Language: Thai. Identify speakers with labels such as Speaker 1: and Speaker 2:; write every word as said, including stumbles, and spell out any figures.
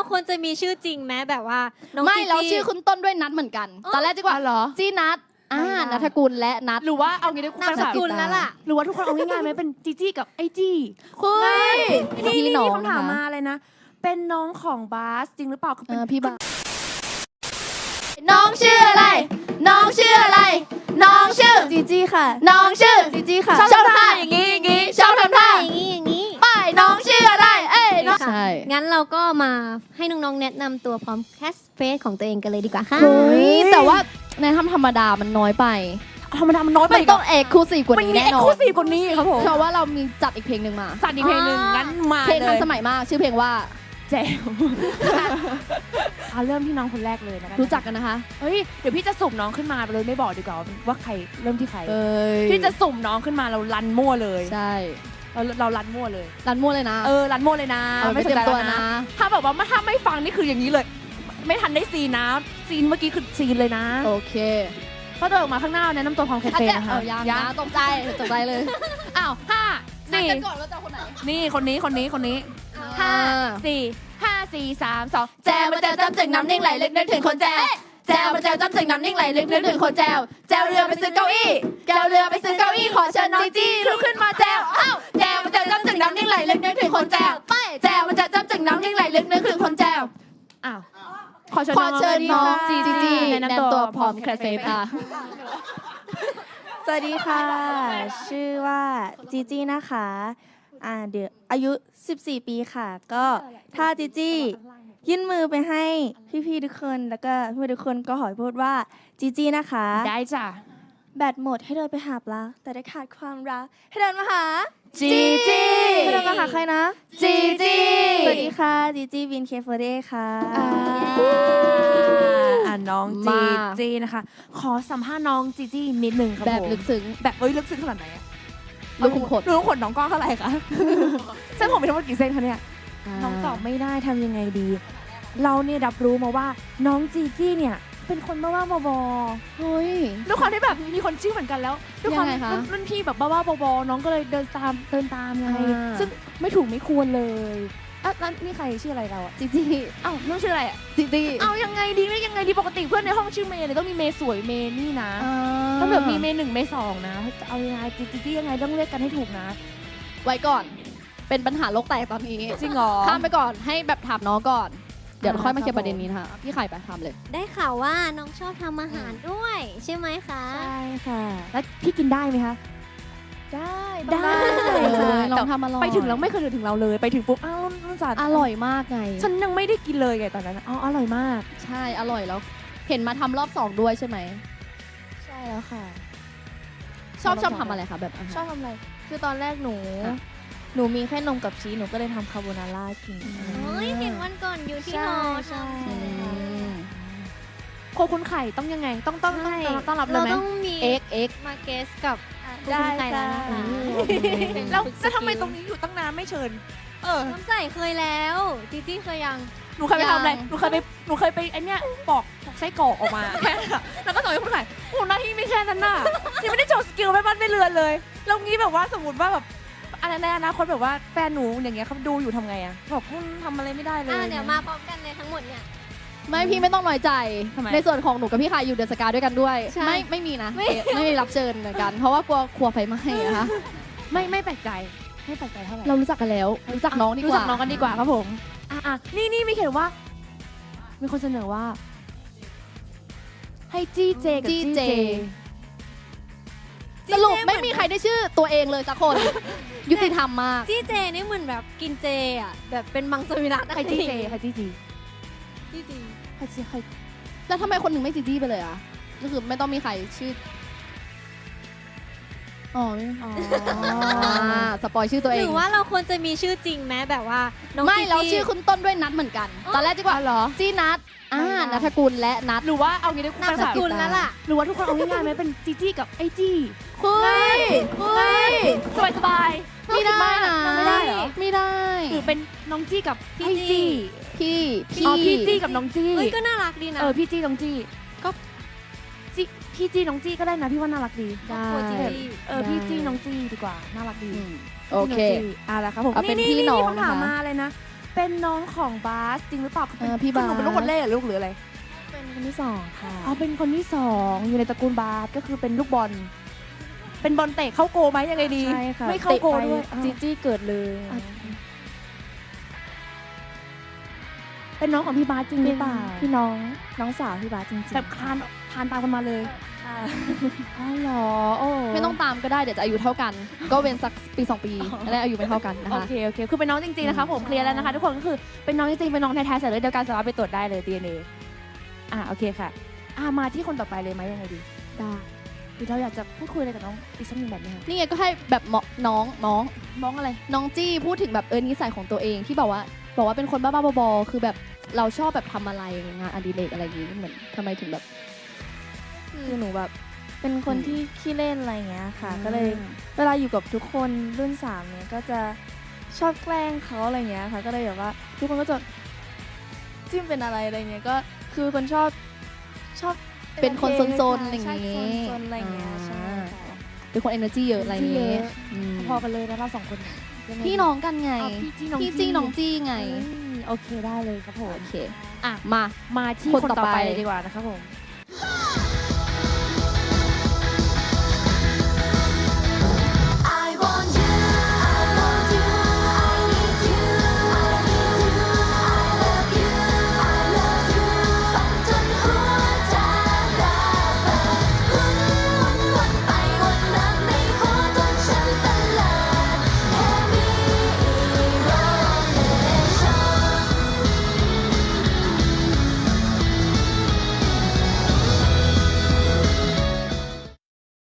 Speaker 1: ควรจะมีชื่อจริงไหมแบบว่าน้อง
Speaker 2: ไม่
Speaker 1: จี
Speaker 2: เรา
Speaker 1: จี้
Speaker 2: ชื่อคุณต้นด้วยนัดเหมือนกัน ตอนแรกจีว่า
Speaker 3: เหรอ
Speaker 2: จีนัดอ่านัทกุลและนัด
Speaker 3: หรือว่าเอางี้ได้
Speaker 1: นามสกุลแล้วล่ะ
Speaker 3: หรือว่าทุกคนเอาง่ายๆไหมเป็นจีจี้กับไอจี้
Speaker 2: เฮ้ย
Speaker 3: นี่
Speaker 2: พี่
Speaker 3: นี่
Speaker 2: น้อง
Speaker 3: คำถาม
Speaker 2: นะคะ
Speaker 3: มาเลยนะ เป็นน้องของบาสจริงหรือเปล่า
Speaker 2: เออพี่บ้าน้องชื่ออะไร น้องชื่ออะไร น้องชื่อ
Speaker 4: จีจี้ค่ะ
Speaker 2: น้องชื่อ
Speaker 4: จีจี้ค่ะ
Speaker 2: ชอบทำท่าอย่างนี้อย่างนี้ชอบทำท่า
Speaker 1: อย่างนี้อย่างนี้
Speaker 2: ไปน้องชื่ออะไร เอ้ยน้อง
Speaker 1: ค่ะ
Speaker 2: ใช่
Speaker 1: งั้นเราก็มาให้น้องๆแนะนำตัวพร้อมแคสเฟซของตัวเองกันเลยดีกว่าค่ะ
Speaker 2: เฮ้ยแต่ว่าในทำธรรมดามันน้อยไป
Speaker 3: ธรรมดามันน้อยไป
Speaker 2: มันต้องเอกคลูซีฟกว่า
Speaker 3: มัน
Speaker 2: นี้
Speaker 3: มี
Speaker 2: แน่
Speaker 3: เอ็ก
Speaker 2: นอ
Speaker 3: ซ์คลู
Speaker 2: น
Speaker 3: ซีฟกว่านี้ครับผม
Speaker 2: เพราะว่าเรามีจัดอีกเพลงหนึ่งมา
Speaker 3: จัดอีกเพลงหนึ่งงั้นมา
Speaker 2: เพลง
Speaker 3: เล
Speaker 2: ทัน
Speaker 3: ย
Speaker 2: สมัยมาก ชื่อเพลงว่า
Speaker 3: แจ๋วเอาเริ่มที่น้องคนแรกเลยนะคะ
Speaker 2: รู้จักกันนะคะ
Speaker 3: เฮ้ยเดี๋ยวพี่จะสุ่มน้องขึ้นมาเลยไม่บอกดีกว่าว่าใครเริ่มที่ใคร
Speaker 2: เอ้ย
Speaker 3: พี่จะสุ่มน้องขึ้นมาเรารันมั่วเลย
Speaker 2: ใช่
Speaker 3: เราเรารันมั่วเลย
Speaker 2: รันมั่วเลยนะ
Speaker 3: เออรันมั่วเลยนะ
Speaker 2: เอาไป
Speaker 3: ไม่สน
Speaker 2: เตรีย
Speaker 3: ใจ
Speaker 2: มตัว
Speaker 3: แล้ว
Speaker 2: นะ
Speaker 3: นะถ้าแบบว่าถ้าไม่ฟังนี่คืออย่างนี้เลย ไม่ทันได้ซีนนะซีนเมื่อกี้คือซีนเลยนะ
Speaker 2: โอเค
Speaker 3: พอเดินออกมาข้างหน้าแนะนำตัวพร้อมแคท
Speaker 2: อา
Speaker 3: เฟ่
Speaker 2: จจะ
Speaker 3: นะคะ
Speaker 2: เอายังนะตกใจตกใจเลย
Speaker 3: อ้าวห้า
Speaker 2: นัด
Speaker 3: สี่
Speaker 2: กันก่อนว่าจะเอาคนไหน
Speaker 3: นี่คนนี้คนนี้คนนี้
Speaker 2: ห้า
Speaker 3: สี่ห้าสี่สามสอง
Speaker 2: แจวมาแจวจ้ำจึงน้ำนิ่งไหลลึกนึกถึงคนแจวแจวมาแจวจ้ำจึงน้ำนิ่งไหลลึกนึกถึงคนแจวแจวเรือไปซื้อเก้าอี้แจวเรือไปซื้อเก้าอี้ขอเชิญน้องจีจี้ลุกขึ้นมาแจวอ้าวแจวมาแจวจ้ำจึงน้ำนิ่งไหลลึกนึกถึงคนแจวไปแจวมาแจวจ้ำจึงน้ำนิ่งไหลลึกนึกถึงคนแจว
Speaker 3: อ้าวขอเชิญ
Speaker 2: ขอเชิญน้อง
Speaker 3: จี
Speaker 2: จีจี้
Speaker 3: แนะ
Speaker 2: แนะ
Speaker 3: นำ
Speaker 2: นำ
Speaker 3: ตั
Speaker 2: ตัว ว
Speaker 3: พ
Speaker 2: พ
Speaker 3: ร้
Speaker 2: ร้
Speaker 3: อ
Speaker 2: อ
Speaker 3: ม
Speaker 2: ม
Speaker 3: แค
Speaker 2: แค
Speaker 3: ท
Speaker 2: ท
Speaker 3: เฟ่
Speaker 2: เฟ่
Speaker 3: ค่ะ
Speaker 2: ค่ะ
Speaker 4: สวัสดีค่ะ ชื่อว่าจีจี้นะคะอ่าเดี๋ยวอายุ สิบสี่ ปีค่ะ ก็ถ้าจีจี้ยื่นมือไปให้พี่ๆทุกคน แล้วก็พี่ๆทุกคนก็ขอพูดว่าจีจี้นะคะ
Speaker 3: ได้จ้ะ
Speaker 4: แบตหมดให้เดินไปหาปลาแต่ได้ขาดความรักให้เดินมาหา
Speaker 3: จีจี้
Speaker 4: ให้เดินมาหาใครนะ
Speaker 2: จีจี้
Speaker 4: สวัสดีค่ะจีจี้วินเคฟเดค่ะ
Speaker 3: อ่าน้องจีจี้นะคะ ขอสัมภาษณ์น้องจีจี้นิดนึงครับ
Speaker 2: แบบ
Speaker 3: ผม
Speaker 2: ลึกซึ้ง
Speaker 3: แบบเอ้ยลึกซึ้งขนาดไหนอะ
Speaker 2: ลูกขุมขน
Speaker 3: ลูกขุมขนน้องก้องเท่าไหร่คะเส้นผมมีทั้งหมดกี่เส้นคะเนี่ย น้องตอบไม่ได้ทำยังไงดี เราเนี่ยรับรู้มาว่าน้องจีจี้เนี่ยเป็นคนบ้าๆบอ
Speaker 2: เฮ้ย
Speaker 3: ๆด้วยความที่แบบมีคนชื่อเหมือนกันแล้วด้วยความ
Speaker 2: ยังไงคะ
Speaker 3: รุ่นรุ่นพี่แบบบ้าๆบอๆน้องก็เลยเดินตามเดินตามไง
Speaker 2: อ่า
Speaker 3: ซึ่งไม่ถูกไม่ควรเลยอ่ะแล้วนี่ใครชื่ออะไรเราอะ
Speaker 2: จีจี้
Speaker 3: อ้าวน้องชื่ออะไรอะ
Speaker 2: จีจี้
Speaker 3: เอายังไงดีไม่ยังไงดีปกติเพื่อนในห้องชื่อเมย์เนี่ยต้องมีเมย์สวยเมย์นี่นะต้องแบบมีเมย์หนึ่งเมย์สองนะเอายังไงจีจี้ยังไงต้องเรียกกันให้ถูกนะ
Speaker 2: ไว้ก่อน เป็นปัญหาโลกแตกตอนนี้
Speaker 3: จริงเหรอ
Speaker 2: ข้ามไปก่อนให้แบบถามน้องก่อน เดี๋ยว
Speaker 3: อ่า
Speaker 2: ค่อยมาเคลีย
Speaker 3: ครับ
Speaker 2: ร์ประเด็นนี้นะคะพี่ไข่ไปทำเลย
Speaker 1: ได้ข่าวว่าน้องชอบทำอาหารด้วย ใช่ไหมคะ
Speaker 4: ใช่ค่ะ
Speaker 3: แล้วพี่กินได้ไหมคะ
Speaker 4: ได้
Speaker 3: ได้
Speaker 2: เออลอ
Speaker 3: แต่
Speaker 2: งทำอร่อย
Speaker 3: ไปถึงแล้วไม่เคยถึงเราเลย ไปถึงปุ๊บอ้าวนุ่นจัด
Speaker 2: อร่อยมากไง
Speaker 3: ฉันยังไม่ได้กินเลยไงตอนนั้นอ๋ออร่อยมาก
Speaker 2: ใช่อร่อยแล้ว เห็นมาทำรอบสองด้วยใช่ไหม
Speaker 4: ใช่แล้วค่ะ
Speaker 2: ชอบ
Speaker 4: ทำรอบ
Speaker 2: ชอบ
Speaker 4: สอง
Speaker 2: ทำอะไรคะแบบอาหาร
Speaker 4: ชอบทำอะไร คือตอนแรกหนู
Speaker 2: อ่ะ
Speaker 4: หนูมีแค่นมกับชีส หนูก็เลยทำคาโบนาร่ากิน
Speaker 1: เฮ้ยเห็นวันก่อนอยู่ที่
Speaker 4: ใช่
Speaker 1: หอ
Speaker 4: ใช่
Speaker 1: ทำ
Speaker 2: อืม
Speaker 3: โคคุณไข่ต้องยังไง ต้องต้องต้อง
Speaker 1: ใช่
Speaker 3: ต้องต้อนรับเล
Speaker 1: เรา
Speaker 3: ยไหม
Speaker 1: ต้องมี
Speaker 2: เอ็กเอ็ก
Speaker 1: มาเกสกับคุณ
Speaker 4: ได้
Speaker 1: ไก่แล้วนะ
Speaker 4: ค่ะ
Speaker 1: คะ
Speaker 3: แล้วแล้วทำไมตรงนี้อยู่ตั้งนานไม่เชิญ เออ
Speaker 1: น้ำใส่เคยแล้วจีจี้เคยยัง
Speaker 3: หนูเคยไปทำอะไร หนูเคยไป หนูเคยไปไอเนี้ยปอกปอกไส้กรอกออกมาแค่นั้นอะแล้วก็ส่งให้คุณไข่โอ้หน้าที่ไม่แค่นั้นน่ะยังไม่ได้โชว์สกิลไม่บ้านไม่เรือนเลย แล้วงี้แบบว่าสมมติว่าแบบอันนั้นในอนาคตแบบว่าแฟนหนูอย่างเงี้ยเขาดูอยู่ทำไงอะบอกคุณทำอะไรไม่ได้เลย
Speaker 1: อ่าเดี๋ยวมาพร้อมกันเลยทั้งหมดเนี่ย
Speaker 2: ไม่พี่ไม่ต้องน้อยใจ
Speaker 3: ทำไม
Speaker 2: ในส่วนของหนูกับพี่ไข่อยู่เดอะสกาด้วยกันด้วย
Speaker 1: ใช่
Speaker 2: ไม่ไม่มีนะ
Speaker 1: ไม่
Speaker 2: ไม่มีรับเชิญเหมือนกัน เพราะว่ากลัวครัวไฟไหม้นะคะ
Speaker 3: ไม่ไม่แปลกใจไม่แปลกใจเท่าไหร่
Speaker 2: เรารู้จักกันแล้ว รู้จักน้องดีกว่า
Speaker 3: รู้จักน้องกันดีกว่าครับผม อ่ะอ่ะนี่นี่มีเขียนว่า มีคนเสนอว่า ให้จี้เจกับ
Speaker 2: จี้
Speaker 3: จี้
Speaker 2: เจ
Speaker 3: เจ
Speaker 2: สรุปไม่มีใครได้ชื่อตัวเองเลยสักคน ยุติธรรมมาก
Speaker 1: จี้เจนี่เหมือนแบบกินเจอ่ะแบบเป็นมังสวิรัต
Speaker 3: ใครจี้เจใครจี้จี
Speaker 1: จี้จี
Speaker 3: ใครจี้ใคร
Speaker 2: แล้วทำไมคนหนึ่งไม่จีจี้ไปเลยอ่ะก็คือไม่ต้องมีใครชื่อ อ๋อไม่
Speaker 3: อ๋อ
Speaker 2: อ่าสปอยชื่อตัว
Speaker 1: ห
Speaker 2: เอง
Speaker 1: รือว่าเราควรจะมีชื่อจริงไหมแบบว่าน้อง
Speaker 2: ไม่
Speaker 1: จีจี้
Speaker 2: เราชื่อคุณต้นด้วยนัดเหมือนกัน ตอนแรกจีว่า
Speaker 3: อ๋อเหรอ
Speaker 2: จีนัดอ่านัทกุลและนัด
Speaker 3: หรือว่าเอางี้ได้
Speaker 1: นามสกุลแล้วล่ะ
Speaker 3: หรือว่าทุกคนเอาง่ายๆไหมเป็นจีจี้กับไอจี้
Speaker 2: เฮ้ยเฮ้ย
Speaker 3: สบายสบาย
Speaker 2: ไม่ได้นะ
Speaker 3: ไม่ได้เหรอ
Speaker 2: ไม่ได้
Speaker 3: หรือเป็นน้องจี้กับ
Speaker 1: พี่
Speaker 3: ไอ
Speaker 1: จี้
Speaker 3: จี้
Speaker 2: พี่
Speaker 3: อ๋อพี่จี้กับน้องจี้
Speaker 1: เฮ้ยก็น่ารักดีนะ
Speaker 3: เออพี่จี้น้องจี้ก็จี้พี่จี้น้องจี้ก็ได้นะพี่ว่าน่ารักดี
Speaker 1: ครอบครัวจีจี้
Speaker 3: เออพี่จี้น้องจี้ดีกว่าน่ารักดี
Speaker 2: อืมโอเค
Speaker 3: อ่ะแล้วครับผม
Speaker 2: เอาเป็นพี่น้อง
Speaker 3: คำถาม
Speaker 2: นะคะ
Speaker 3: มาเลยนะเป็นน้องของบาสจริงหรือเปล่า
Speaker 2: เออพี่บาส
Speaker 3: หนูเป็นลูกคนแรกหรือลูกหรืออะไร
Speaker 4: เป็นคนที่สองค่ะ
Speaker 3: อ๋อเป็นคนที่สองอยู่ในตระกูลบาสก็คือเป็นลูกบอลเป็นบอลเตะเข้าโกไหมยังไงดี
Speaker 4: ใช่ค่ะ
Speaker 3: ไม่เข้าโกด้วย
Speaker 4: ตะไปจีจี้เกิดเลย
Speaker 3: อ่ะ เป็นน้องของพี่บาสจริงหรือเปล่า
Speaker 4: พี่น้องน้องสาวพี่บาสจริงๆ
Speaker 3: แบบคลานคลานตามกันมาเลย
Speaker 4: ค่ะ
Speaker 3: อ๋อเหรอโอ้
Speaker 2: ไม่ต้องตามก็ได้เดี๋ยวจะอายุเท่ากัน ก็เว้นสักปีสองปีแล้วอายุไม่เท่ากันนะ
Speaker 3: โอ
Speaker 2: คะ
Speaker 3: เคโอเคคือเป็นน้องจริงๆนะคะผมเคลียร์แล้วนะคะทุกคนก็คือเป็นน้องจริงๆเป็นน้องแท้ๆสายเลือดเดียวกันสามารถไปตรวจได้เลย ดี เอ็น เอ อ่ะโอเคค่ะอ่ะมาที่คนต่อไปเลยไหมยังไงดี
Speaker 1: ได้
Speaker 3: หรือเราอยากจะพูดคุยอะไรกับน้องอีกสักหนึ่งแบบไหมคะ
Speaker 2: นี่ไงก็ให้แบบเหมาะน้องน้อง
Speaker 3: น้องอะไร
Speaker 2: น้องจี้พูดถึงแบบเออนิสัยของตัวเองที่บอกว่าบอกว่าเป็นคนบ้าๆบอๆคือแบบเราชอบแบบทำอะไรงานอดิเรกอะไรอย่างงี้เหมือนทำไมถึงแบบ
Speaker 4: คือหนูแบบเป็นคนที่ขี้เล่นอะไรอย่างเงี้ยค่ะ
Speaker 3: อืม
Speaker 4: ก็เลยเวลาอยู่กับทุกคนรุ่นสามเนี่ยก็จะชอบแกล้งเขาอะไรเงี้ยค่ะ ก็เลยแบบว่าทุกคนก็จะจิ้มเป็นอะไรอะไรเงี้ยก็คือคนชอบชอบ
Speaker 2: เป็นคน
Speaker 4: entertain
Speaker 2: ซนๆอะไรอย่าง
Speaker 4: ใช่
Speaker 2: งี้
Speaker 4: ซนๆอะไรเงี้ยใช่
Speaker 2: อ่า
Speaker 4: ค่ะ
Speaker 2: เป็นคน energy เยอะอะไรอย่างงี้อืม
Speaker 3: พอกันเลยนะเราสองคนยังไง
Speaker 2: พี่น้องกันไง
Speaker 3: อ๋อพี่จี้น้อง
Speaker 2: พี่จี้น้องจี้ไง
Speaker 3: อืมโอเคได้เลยครับผม
Speaker 2: โอเค
Speaker 3: อ่ะ
Speaker 2: มา
Speaker 3: มาที่
Speaker 2: คน
Speaker 3: คน
Speaker 2: ต่อ
Speaker 3: ต่อไป
Speaker 2: ไป
Speaker 3: เลยดีกว่านะครับผม